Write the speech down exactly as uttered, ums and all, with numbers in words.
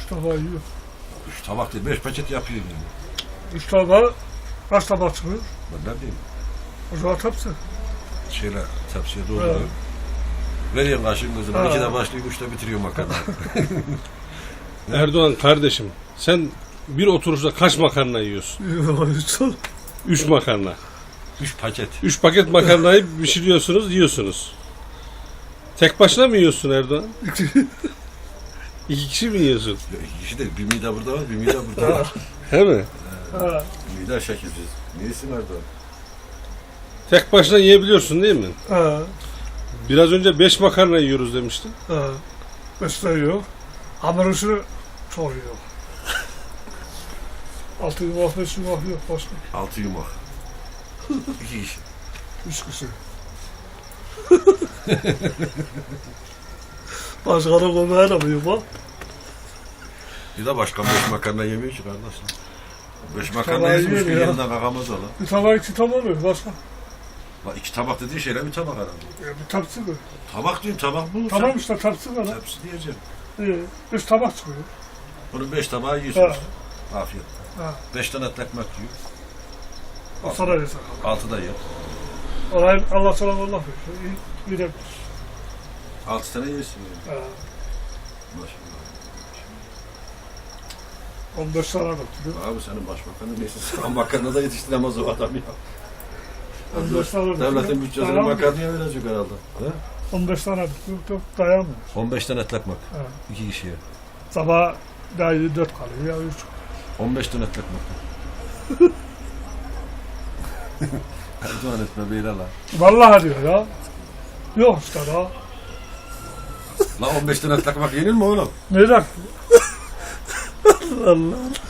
tabağı yiyor. Üç tabak değil, beş paket yapıyor yani. Üç tabağı kaç tabak çıkıyor? Ben ne diyeyim? O zaman tepsi. Şeyler, tepsiye dolduruyor. Evet. Veriyorum kaşığın gözüne. Ha. İkide başlıyor, üçte bitiriyor makarna. Erdoğan kardeşim, sen bir oturuşta kaç makarna yiyorsun? Yiyor. Üç makarna. Üç paket. Üç paket makarnayı pişiriyorsunuz, yiyorsunuz. Tek başına mı yiyorsun Erdoğan? İki kişi mi yiyorsun? Ya, İkisi de bir mide burada var, bir mide burada var. He mi? Ha. Mide şekilsiz. Neyisi nerede? Tek başına yiyebiliyorsun değil mi? Ha. Biraz önce beş makarna yiyoruz demiştin. Ha. Beşte yok. Hamur işi çok yok. Altı yumak, beş yumak yok başka. Altı yumak. İki kişi. Üç kişi. Başka da koymaya da mı yumak? Bir de başka beş makarna yemiyor ki kardeşim. Beş makarna Tabağı yesin, üç gün yiyor ya. yanından kakamaz ola. Bir tabak iki tabak oluyor başka. Bak iki tabak dediğin şeyler bir tabak herhalde. Ya bir tepsi mi? Tabak diyorum, tabak bu. Tamam işte tepsi var. ha. Tepsi diyeceğim. İyi. Üç tabak çıkıyor. Bunun beş tabağı yiyorsunuz. Ha. Afiyet. Ha. Beş tane etli ekmek yiyor. O sana yesak. Altı da yiyor. Orayı Allah sana Allah veriyor. İyi, iyi de Altı tane yiyorsun yani. ha. Maşallah. on beş tane döktü. Abi senin başbakanın neyse sen makarna da yetiştiremez o adam ya. on beş tane döktü. Devletin bütçesini Dayanmıyor. makarnaya verecek herhalde. He? on beş tane döktü. Yok dayanmıyor. on beş tane etli ekmek. Ha. İki kişiye. Sabah daha iyi dört kalıyor ya üç. on beş tane etli ekmek. Erdoğan etme beyler la. Vallahi diyor ya. Yok işte daha. La on beş tane etli ekmek yenir mi oğlum? Neden? Allah Allah.